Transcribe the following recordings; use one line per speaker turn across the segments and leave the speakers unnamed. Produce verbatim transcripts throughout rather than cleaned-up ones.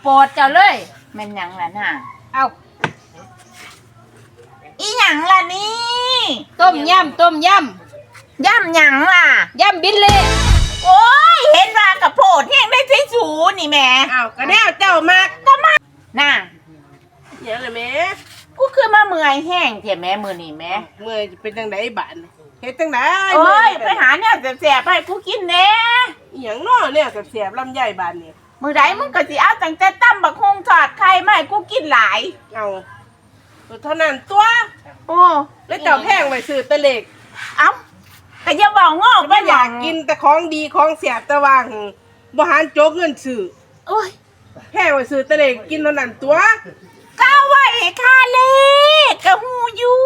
โปรดเจ้าเลยแม่นหยังล่ะน่ะเอาอีหยังล่ะนี่ต้มยำต้มยำยำหยังล่ะยำบิลเล่โอ้ยเห็นว่ากระโพดแห้งได้ใช้สูนี่แม่
อ้าวก็แนวเจ้ามาก
ก็มาน่ะ
หยังล่ะแม่
กูคือมาเมื่อยแห้งเถอะแม่มื้อนี้แม่
เมื่อยจะเป็นจังไดบาดเฮ็ดจังได๋
โอ้ยไปหาแนวแซ่บๆให้กูกินแหน่
อีหยังน้อเนี่ยแซ่บๆลำไยบาดนี่
มื้อใดมึงก็สิเอาตั้งแต่ตำบักฮุงทอดไข่มาให้กูกินหลาย
เอาเท่านั้นตัว
โอ้
แล้วเจ้าแพงไว้ซื้อตะเล็ก
เอ้าก็อย่าบอกงอก
บ่อยากกินแต่ของดีของแซ่บแต่ว่าบ่หันโจกเงินซื้อ
โอ้ย
แพงไว้ซื้อตะเล็กกินเท่านั้นตัว
ก้าวไว้ค่าเลขกะฮูอยู่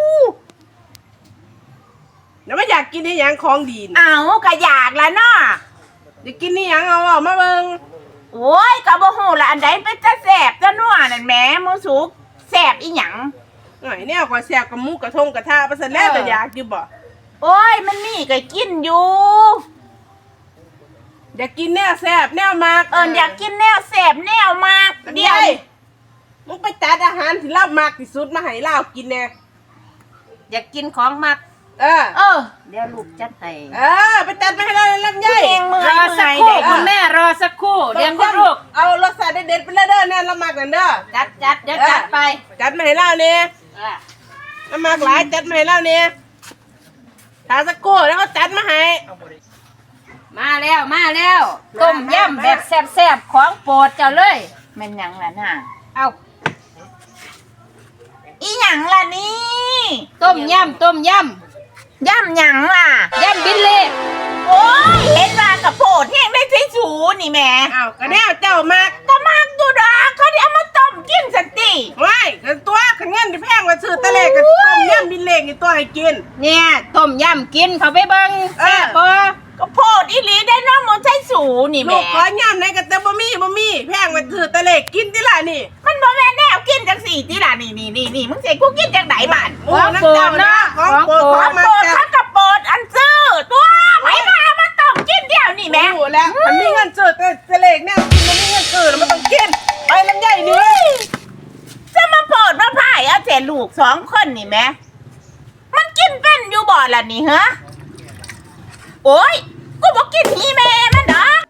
แล้วไม่อยากกินอีหยังของดี
เอ้าก็อยากละเนาะ
อยากกินอีหยังเอาออกมาเบิ่ง
โอ้ยก็บ่ฮู้ละอันใดเป็นตาแซ่บตานัวนั่นแหมหมูสุกแซ่บอีหยัง
หน่อยแนวกว่าแซ่บกับหมูกระทงกระทะไปซะแล้วแต่อยากอยู่บ่
โอ้ยมันมีก็กินอยู่
อยากกินแนวแซ่บแนวมาก
เอิ้นอยากกินแนวแซ่บแนวมากเดี๋ยว
มึงไปจัดอาหารที่เรามากที่สุดมาให้เรากินแน่
อยากกินของมัก
เออ
เออเดี๋ยวลูกจัดให้
เออไปจัดมาให้เราลำไย
รอสักครู่คุณแม่รอสักครู่เดี๋ยวคุณลูก
เอารสชาติเด็ดๆไปเลยเด้อแน่เรามากกันเด้อ
จัดจัดเดี๋ยวจัดไป
จัดมาให้เราเนี่ยเรามากหลายจัดมาให้เราเนี่ยถาสักครู่แล้วก็จัดมาให้
มาแล้วมาแล้วต้มยำแบบแซ่บๆของโปรดเจ้าเลยแม่นหยังล่ะน่ะเอาอีหยังล่ะนี่ต้มยำต้มยำยำหยังล่ะยำบิลเล่โอ้ยเห็นว่ากระโพดแห้งได้ใช้สูนี่แม่
อ้าวก็แนวเจ้ามาก
ก็มากอยู่ดอกเขาเอามาต้มกินสักที
ว้ายกันตัวขันเงินที่แพงกว่าซื้อตะเล็กกับต้มยำบิลเล่กี่ตัวให้กิน
เนี่ยต้มยำกินเขาไปเบิ่งแซ่บบ่ก็โพดอีหลีได้น้องมันใช้สูนี่แม่
ลูกขอยำในกระเตบะมี่บะมี่แพงกว่าซื้อตะเล็กกินที่ละนี่
มันบ่แม่นแนวกินจังสี่ที่ละนี่นี่นี่นี่มึงเสกกูกินจังไหนบ้าน
โอ้น้ำเจ้านะของโปรดของมา
ถ้ากระโปดอันซื้อตัวไหนมาเอามาต้มกินเดียวนี่แม่
รู้แล้วมันมีเงินซื้อตะเล็กแนวกินมันมีเงินซื้อแล้วมันต้องกินไปลำไยนี่
จะมาโปรดมาพ่ายเอาแต่ลูกสองคนนี่แม่มันกินเป็นอยู่บ่ล่ะนี่ฮะโอ้ยกูบอกกินนี่แม่มันดอก